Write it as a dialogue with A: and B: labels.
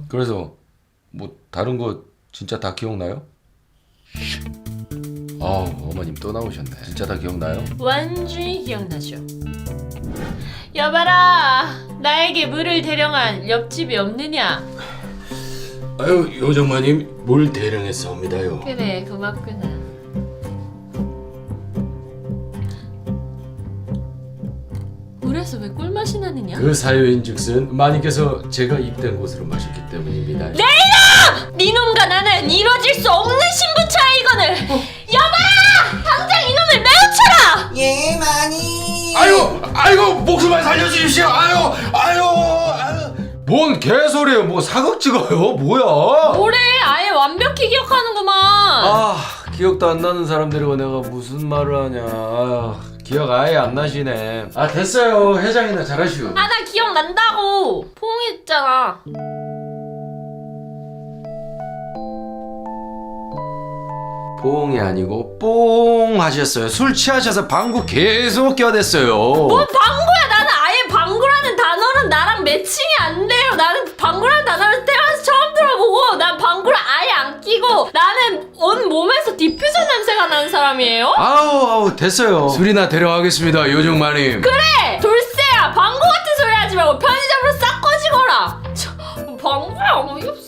A: 그래서 뭐 다른 거 진짜 다 기억나요? 어머님 또 나오셨네. 진짜 다 기억나요?
B: 완전히 기억나죠. 여봐라, 나에게 물을 대령한 옆집이 없느냐?
C: 아유 요정마님 물 대령했사옵니다요.
B: 그래, 고맙구나. 물에서 왜 꿀맛이 나느냐?
C: 그 사유인즉슨 마님께서 제가 입된 곳으로 마셨기 때문입니다.
B: 니놈과 나는 이루어질 수 없는 신부차야 이거늘. 여봐라, 당장 이놈을 매우쳐라.
D: 예, 많이.
A: 아이고 목숨만 살려주십시오. 아유. 뭔 개소리예요? 뭐 사극 찍어요? 뭐야?
B: 뭐래, 아예 완벽히 기억하는구만.
A: 기억도 안 나는 사람 데리고 내가 무슨 말을 하냐. 기억 아예 안 나시네. 됐어요. 회장이나 잘하시오.
B: 나 기억난다고. 포옹했잖아.
A: 뽕이 아니고 뽕 하셨어요. 술 취하셔서 방구 계속 껴댔어요.
B: 뭔 방구야? 나는 아예 방구라는 단어는 나랑 매칭이 안 돼요. 나는 방구라는 단어를 태어나서 처음 들어보고, 난 방구를 아예 안 끼고, 나는 온 몸에서 디퓨저 냄새가 나는 사람이에요.
A: 아우 됐어요. 술이나 데려가겠습니다, 요정마님.
B: 그래, 돌쇠야, 방구 같은 소리 하지 말고 편의점으로 싹 꺼지거라. 방구야, 어이없어.